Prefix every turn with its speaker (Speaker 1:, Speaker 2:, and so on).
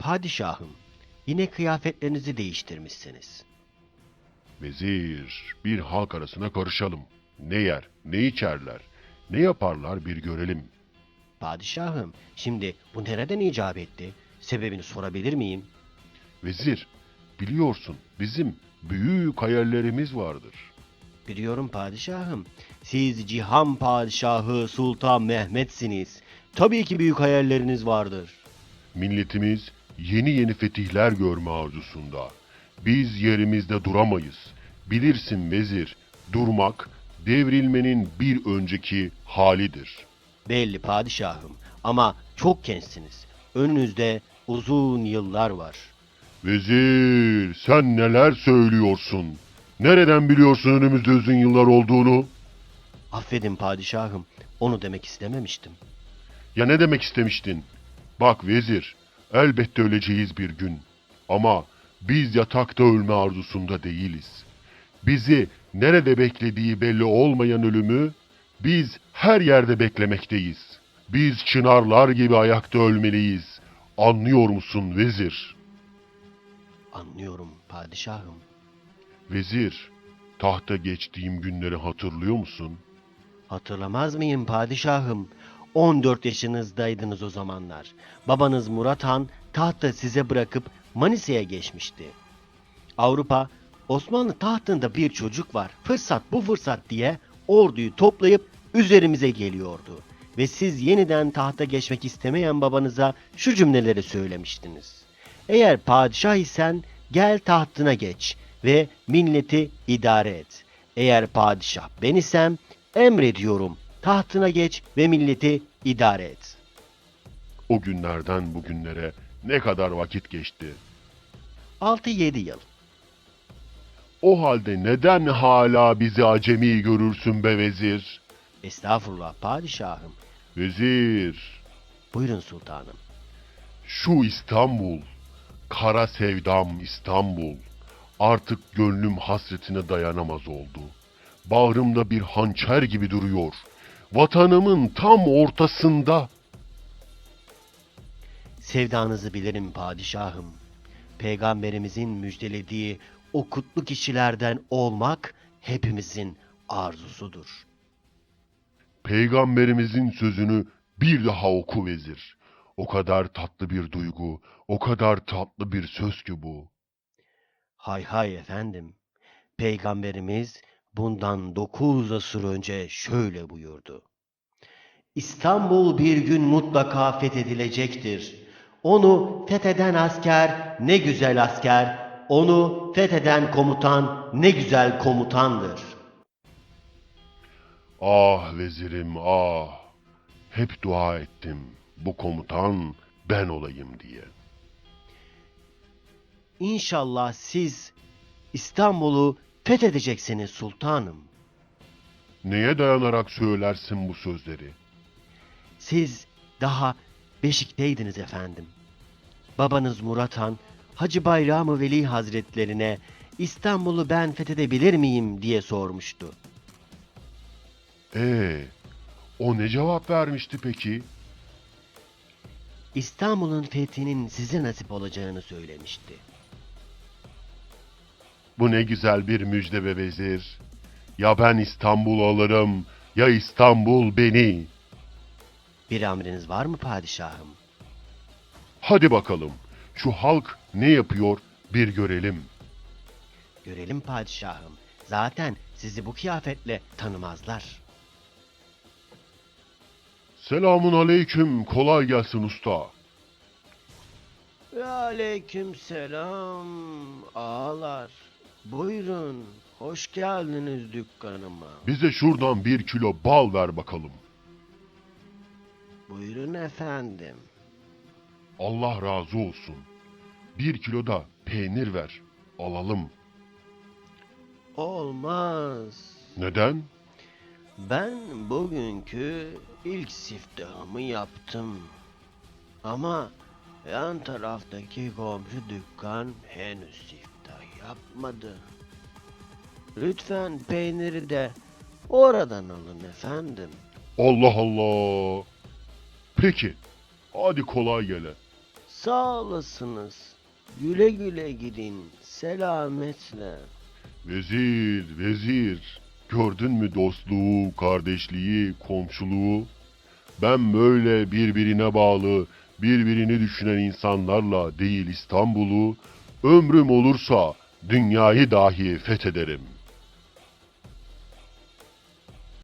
Speaker 1: Padişahım, yine kıyafetlerinizi değiştirmişsiniz.
Speaker 2: Vezir, bir halk arasına karışalım. Ne yer, ne içerler, ne yaparlar bir görelim.
Speaker 1: Padişahım, şimdi bu nereden icap etti? Sebebini sorabilir miyim?
Speaker 2: Vezir, biliyorsun bizim büyük hayallerimiz vardır.
Speaker 1: Biliyorum padişahım. Siz Cihan Padişahı Sultan Mehmet'siniz. Tabii ki büyük hayalleriniz vardır.
Speaker 2: Milletimiz yeni yeni fetihler görme arzusunda. Biz yerimizde duramayız. Bilirsin vezir, durmak devrilmenin bir önceki halidir.
Speaker 1: Belli padişahım ama çok gençsiniz. Önünüzde uzun yıllar var.
Speaker 2: Vezir, sen neler söylüyorsun? Nereden biliyorsun önümüzde uzun yıllar olduğunu?
Speaker 1: Affedin padişahım, onu demek istememiştim.
Speaker 2: Ya ne demek istemiştin? Bak vezir, elbette öleceğiz bir gün. Ama biz yatakta ölme arzusunda değiliz. Bizi nerede beklediği belli olmayan ölümü biz her yerde beklemekteyiz. Biz çınarlar gibi ayakta ölmeliyiz. Anlıyor musun vezir?
Speaker 1: Anlıyorum padişahım.
Speaker 2: Vezir, tahta geçtiğim günleri hatırlıyor musun?
Speaker 1: Hatırlamaz mıyım padişahım? 14 yaşınızdaydınız o zamanlar. Babanız Murat Han tahtı size bırakıp Manisa'ya geçmişti. Avrupa, Osmanlı tahtında bir çocuk var. Fırsat bu fırsat diye orduyu toplayıp üzerimize geliyordu. Ve siz yeniden tahta geçmek istemeyen babanıza şu cümleleri söylemiştiniz. Eğer padişah isen gel tahtına geç ve milleti idare et. Eğer padişah ben isem emrediyorum tahtına geç ve milleti idare et.
Speaker 2: O günlerden bugünlere ne kadar vakit geçti?
Speaker 1: 6-7 yıl.
Speaker 2: O halde neden hala bizi acemi görürsün be vezir?
Speaker 1: Estağfurullah padişahım.
Speaker 2: Vezir,
Speaker 1: Buyurun sultanım.
Speaker 2: şu İstanbul, kara sevdam İstanbul, artık gönlüm hasretine dayanamaz oldu. Bağrımda bir hançer gibi duruyor. Vatanımın tam ortasında.
Speaker 1: Sevdanızı bilirim padişahım. Peygamberimizin müjdelediği o kutlu kişilerden olmak hepimizin arzusudur.
Speaker 2: Peygamberimizin sözünü bir daha oku vezir. O kadar tatlı bir duygu, o kadar tatlı bir söz ki bu.
Speaker 1: Hay hay efendim. Peygamberimiz bundan 9 asır önce şöyle buyurdu. İstanbul bir gün mutlaka fethedilecektir. Onu fetheden asker ne güzel asker, onu fetheden komutan ne güzel komutandır.
Speaker 2: Ah vezirim ah. Hep dua ettim. Bu komutan ben olayım diye.
Speaker 1: İnşallah siz İstanbul'u fethedeceksiniz sultanım.
Speaker 2: Neye dayanarak söylersin bu sözleri?
Speaker 1: Siz daha Beşik'teydiniz efendim. Babanız Murat Han, Hacı Bayram-ı Veli Hazretlerine İstanbul'u ben fethedebilir miyim diye sormuştu.
Speaker 2: Ee, o ne cevap vermişti peki?
Speaker 1: İstanbul'un fethinin size nasip olacağını söylemişti.
Speaker 2: Bu ne güzel bir müjde be vezir. Ya ben İstanbul alırım, ya İstanbul beni.
Speaker 1: Bir emriniz var mı padişahım?
Speaker 2: Hadi bakalım, şu halk ne yapıyor bir görelim.
Speaker 1: Görelim padişahım. Zaten sizi bu kıyafetle tanımazlar.
Speaker 2: Selamun aleyküm, kolay gelsin usta.
Speaker 1: Ve aleyküm selam ağalar. Buyurun, hoş geldiniz dükkanıma.
Speaker 2: Bize şuradan 1 kilo bal ver bakalım.
Speaker 1: Buyurun efendim.
Speaker 2: Allah razı olsun. 1 kilo da peynir ver, alalım.
Speaker 1: Olmaz.
Speaker 2: Neden?
Speaker 1: Ben bugünkü ilk siftahımı yaptım. Ama yan taraftaki komşu dükkan henüz siftah yapmadı. Lütfen peyniri de oradan alın efendim.
Speaker 2: Allah Allah. Peki, hadi kolay gele.
Speaker 1: Sağ olasınız. Güle güle gidin. Selametle.
Speaker 2: Vezir, vezir. Gördün mü dostluğu, kardeşliği, komşuluğu? Ben böyle birbirine bağlı, birbirini düşünen insanlarla değil İstanbul'u, ömrüm olursa dünyayı dahi fethederim.